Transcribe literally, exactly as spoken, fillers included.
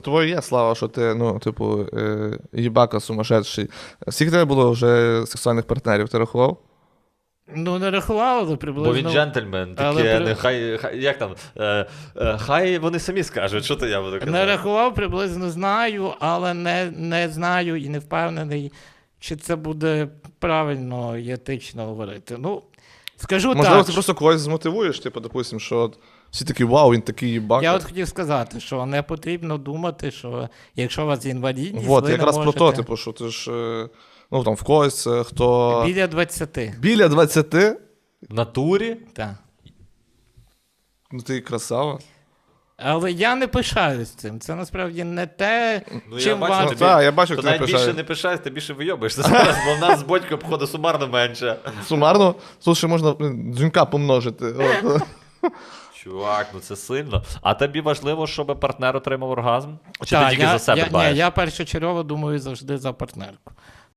Твоє є, Слава, що ти, ну, типу, е, їбака сумасшедший. Скільки тебе було вже сексуальних партнерів, ти рахував? Ну, не рахував, але приблизно. Бо він джентльмен, Але таке, при- не, хай, хай, як там, е, е, хай вони самі скажуть, що то я буду казати. Не рахував, приблизно знаю, але не, не знаю і не впевнений, чи це буде правильно і етично говорити. Ну, скажу Можливо, так. ти просто когось змотивуєш, типу, допустим, що от всі такі, вау, він такий їбака. Я от хотів сказати, що не потрібно думати, що якщо у вас інвалідність, Вот, ви якраз не про можете... то, типу, що ти ж, е, ну, там, в когось, е, хто... Біля двадцяти. Біля двадцяти? В натурі? Так. Ну, ти красава. Але я не пишаюсь цим. Це насправді не те, Ну, я чим бачу, варто. Ну, так, я бачу, То як ти навіть більше пишаєш. не пишаєш, ти більше вийобишся зараз, бо в нас з Бодько, походу, сумарно менше. Сумарно, тут ще можна блін, дзюнька помножити. От. Чувак, ну це сильно. А тобі важливо, щоб партнер отримав оргазм? Чи Так, ти тільки я, за себе я, дбаєш? ні, я першочергово думаю завжди за партнерку.